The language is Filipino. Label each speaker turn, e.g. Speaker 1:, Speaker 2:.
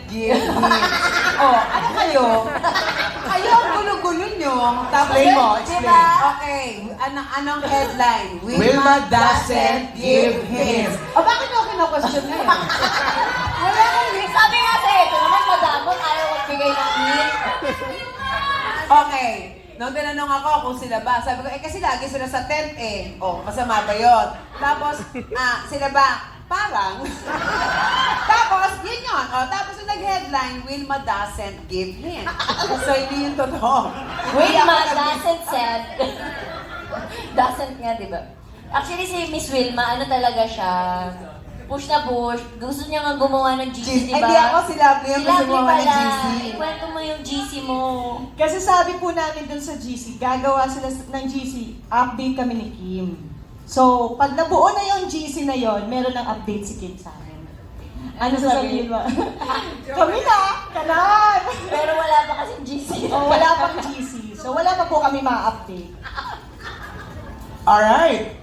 Speaker 1: give him. Oh, ano kayo? Kayo ang gulo-gulo nyo. Tapos,
Speaker 2: Explain mo, explain.
Speaker 1: Diba? Okay, anong headline?
Speaker 2: Wilma doesn't give hints.
Speaker 1: O, bakit nyo kino-question ngayon?
Speaker 3: Wala kang hint. Sabi nga sa'yo, ito naman madamot, ayaw magbigay ng hint.
Speaker 1: Okay. Nung tinanong ako kung sila ba, sabi ko, kasi lagi sila sa tent eh. Oh, masama ba yun? Tapos, sila ba? Parang. Tapos, yun yun. Oh, tapos yung nag-headline, Wilma doesn't give hint. So, hindi yun totoo.
Speaker 3: Wilma doesn't said. Doesn't nga, di ba? Actually, si Miss Wilma, ano talaga siya? Push na push. Gusto niya nga gumawa ng GC, di ba?
Speaker 1: Hindi ako, si Lovely ang
Speaker 3: Si
Speaker 1: gusto
Speaker 3: Lovely
Speaker 1: mo ng
Speaker 3: pala.
Speaker 1: GC.
Speaker 3: Ikwento mo yung GC mo.
Speaker 4: Kasi sabi po namin dun sa GC, gagawa sila ng GC, update kami ni Kim. So, pag nabuo na yung GC na yon, meron ng update si Kim sa amin. Ano sasabihin mo? Kami na! Kanan!
Speaker 3: Pero wala pa kasing GC.
Speaker 4: O, wala pang GC. So, wala pa po kami ma-update.
Speaker 2: Alright.